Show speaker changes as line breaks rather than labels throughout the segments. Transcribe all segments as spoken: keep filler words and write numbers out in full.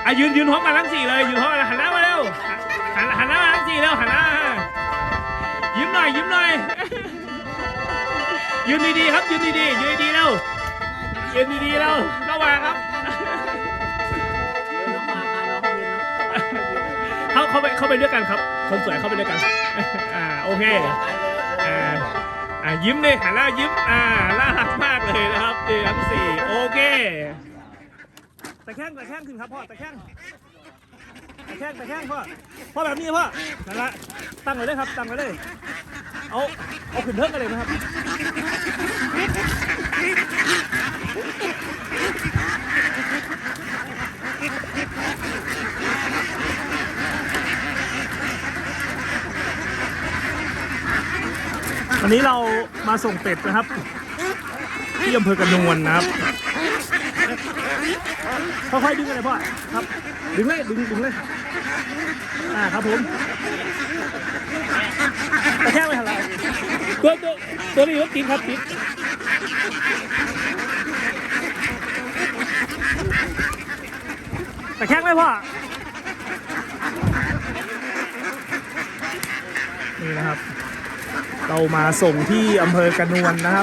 ะยืนยืนพร้อมกันทั้งสี่เลยยืนพร้อมกันหันหน้ามาเร็วหันหันหน้ามาทั้งสี่เร็วหันหน้ายิ้มหน่อยยิ้มหน่อยยืนดีๆครับยืนดีๆยืนดีๆเร็วยืนดีๆเร็วเข้ามาครับเขาเข้าไปเข้าไปด้วยกันครับคนสวยเข้าไปด้วยกันอ่าโอเคอ่าอ่ายิ้มเลยหันหน้ายิ้มอ่าน่ารักมากเลยนะครับดีทั้งสี่โอเคตะแคงตะแคงขึ้นครับพ่อตะแคงตะแคงตะแคงพ่อพ่อแบบนี้พ่อนั่นละตั้งไว้เลยครับตั้งไว้เลยเอาเอาขึ้นเทิงกันเลยนะครับวันนี้เรามาส่งเป็ดนะครับที่อำเภอกระนวลนะครับค่อยๆดึงกันเลยพ่อครับดึงเลยดึงดึงเลยอ่าครับผมกระแทกไปทางไหนตัวตัวตัวนี้รถติดครับติดกระแทกไหมพ่อนี่นะครับเรามาส่งที่อำเภอกระนวลนะครับ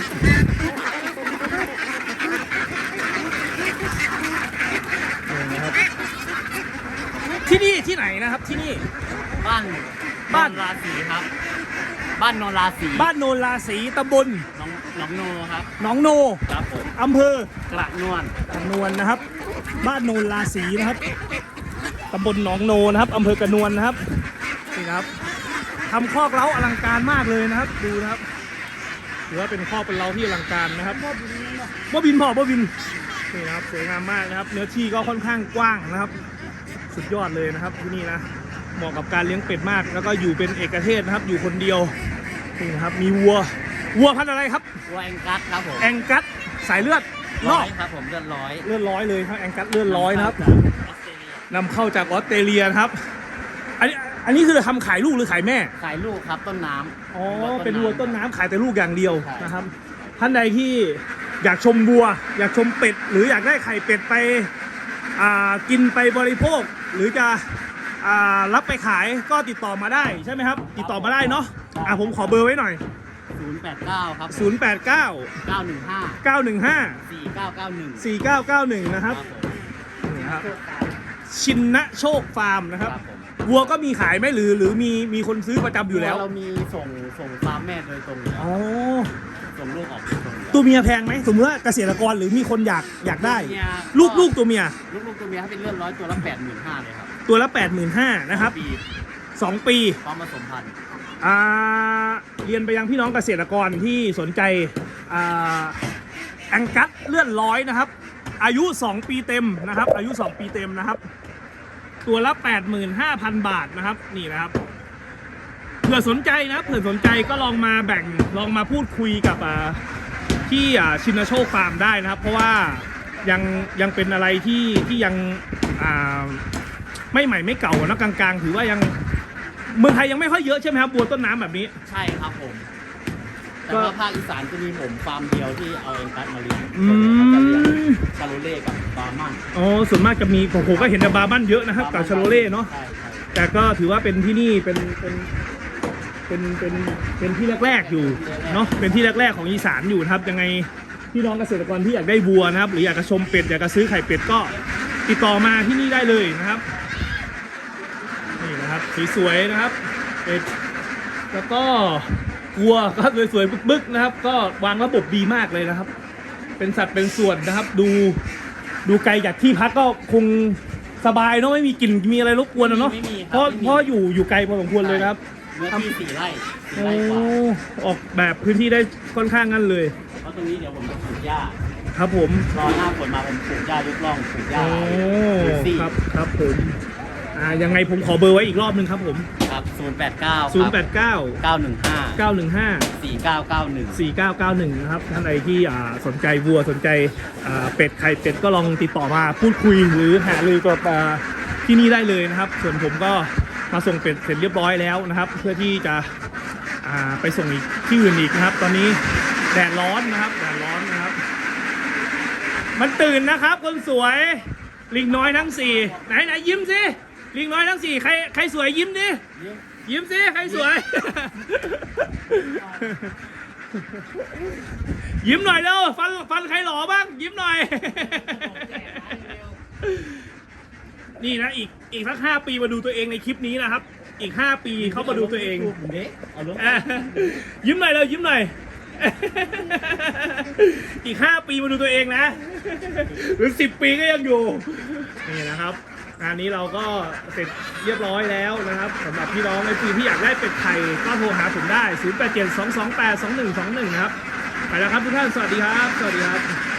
ที่นี่ที่ไหนนะครับที่นี่
บ้านบ้านราศีครับบ้านโนราศี
บ้านโนราศีตำบล
หนองหนองโนครับ
หนองโน
ครับผม
อำเภอก
ระนวล
กระนวลนะครับบ้านโนราศีนะครับตำบลหนองโนนะครับอำเภอกระนวลนะครับนี่นะครับทำคอกเล้าอลังการมากเลยนะครับดูนะครับถือว่าเป็นคอกเป็นเล้าที่อลังการนะครับบ่บินพ่อบ่บินนี่นะครับสวยงามมากนะครับเนื้อที่ก็ค่อนข้างกว้างนะครับสุดยอดเลยนะครับที่นี่นะเหมาะกับการเลี้ยงเป็ดมากแล้วก็อยู่เป็นเอกเทศนะครับอยู่คนเดียวนี่นะครับมีวัววัวพันธุ์อะไรครับ
วัวแองกัสครับผม
แองกัสสายเลือด
ร้อยครับผมเลือดร้อย
เลือดร้อยเลยครับแองกัสเลือดร้อยนะครับนำเข้าจากออสเตรเลียครับอันนี้อันนี้คือทำขายลูกหรือขายแม่
ขายลูกครับต้นน้ำ
อ๋อเป็นวัวต้นน้ำขายแต่ลูกอย่างเดียวนะครับท่านใดที่อยากชมวัวอยากชมเป็ดหรืออยากได้ไข่เป็ดไปกินไปบริโภคหรือจะรับไปขายก็ติดต่อมาได้ใช่ไหมครับติดต่อมาได้เนาะอ่ะผมขอเบอร์ไว้หน่อย
ศูนย์ แปด เก้าครับ
ศูนย์ แปด เก้า
เก้า หนึ่ง ห้า
เก้า หนึ่ง ห้า
สี่ เก้า เก้า หนึ่ง
สี่ เก้า เก้า หนึ่งนะครับนี่ครับชินนะโชคฟาร์มนะครับวัวก็มีขายไหมหรือหรือมีมีคนซื้อประจำอยู่แล้ว
เรามีส่งส่งฟาร์มแม่โดยตรง
อ๋อ
ส่งลูกออก
ตัวเมียแพงไหมสมมติว่าเกษตรกรหรือมีคนอยากอยากได้ลูกลูกตัวเมีย
ลูกลูกตัวเมียถ้าเป็นเลือดร้อยตัวละแปดหมื่นห้าเลยครับ
ตัวละแปดหมื่นห้านะครับสองปี
พร้อมผสมพันธุ์
อ่าเรียนไปยังพี่น้องเกษตรกรที่สนใจอ่าแองกัสเลือดร้อยนะครับอายุสองปีเต็มนะครับอายุสองปีเต็มนะครับตัวละ แปดหมื่นห้าพัน บาทนะครับนี่นะครับเผื่อสนใจนะเผื่อสนใจก็ลองมาแบ่งลองมาพูดคุยกับที่ชินโชคฟาร์มได้นะครับเพราะว่ายังยังเป็นอะไรที่ที่ยังไม่ใหม่ไม่เก่านะกลางๆถือว่ายังเมืองไทยยังไม่ค่อยเยอะใช่ไหมครับบัวต้นน้ำแบบนี้
ใช่ครับผมแต่ว่าภาคอีสานจะมีผมฟาร์มเดียวที่เอาเองกัสมาเลี้ยงจะเลี้ยงชาโลเล่กับบาร์มัน
อ๋อส่วนมากจะมีผมก็เห็นแต่บาร์มันเยอะนะครับกับชาโลเล่เนาะแต่ก็ถือว่าเป็นที่นี่เป็นเป็นเป็นเป็นเป็นที่แรกๆอยู่เนาะเป็นที่แรกๆของอีสานอยู่นะครับยังไงพี่น้องเกษตรกรที่อยากได้วัวนะครับหรืออยากจะชมเป็ดอยากจะซื้อไข่เป็ดก็ติดต่อมาที่นี่ได้เลยนะครับนี่นะครับสวยๆนะครับเป็ดแล้วก็วัวก็สวยๆบึกๆนะครับก็วางระบบดีมากเลยนะครับเป็นสัตว์เป็นส่วนนะครับดูดูไกลจากที่พักก็คงสบายเนาะไม่มีกลิ่นมีอะไรรบกวนเนาะเพราะเพราะอยู่อยู่ไกลพอสมควรเลยครับ
เนื้อที่สี่ไร่
สี่ไร่กว่าออกแบบพื้นที่ได้ค่อนข้างงั้นเลย
เพราะตรงนี้เดี๋ยวผมจะปลูกหญ้า
ครับผม
รอหน้าฝนมาผมปลูกหญ้ายกล่องปลูกหญ้า
โอ้ครับครับผมอ่ายังไงผมขอเบอร์ไว้อีกรอบนึงครับผม
ครับศูนย์ แปด เก้า
ศูนย์ แปด เก้า
เก้า หนึ่ง ห้า
เก้า หนึ่ง ห้า
สี่ เก้า เก้า หนึ่ง
สี่ เก้า เก้า หนึ่งนะครับท่านใดที่อ่าสนใจวัวสนใจอ่าเป็ดไข่เป็ดก็ลองติดต่อมาพูดคุยหรือหารือกับที่นี่ได้เลยนะครับส่วนผมก็มาส่งเป็ดเสร็จเรียบร้อยแล้วนะครับเพื่อที่จะไปส่งอีกที่อื่นอีกนะครับตอนนี้แดดร้อนนะครับแดดร้อนนะครับมันตื่นนะครับคนสวยลิงน้อยทั้งสี่ไหนไหนยิ้มสิลิงน้อยทั้งสี่ใครใครสวยยิ้มดิยิ้มสิใครสวย ยิ้มหน่อยเร็วฟันฟันใครหล่อบ้างยิ้มหน่อย นี่นะอีกอีกสักห้าปีมาดูตัวเองในคลิปนี้นะครับ อีกห้าปีเขามาดูตัวเอง
เอาลง
อ่ะยิ้มหน่อยเลยยิ้มหน่อย อีกห้าปีมาดูตัวเองนะ หรือสิบปีก็ยังอยู่นี่นะครับงานนี้เราก็เสร็จเรียบร้อยแล้วนะครับสำหรับพี่น้องไอซีที่อยากได้เป็ดไข่ก็โทรหาผมได้ศูนย์ แปด เจ็ด สอง สอง แปด สอง หนึ่ง สอง หนึ่งนะครับไปแล้วครับทุกท่านสวัสดีครับสวัสดีครับ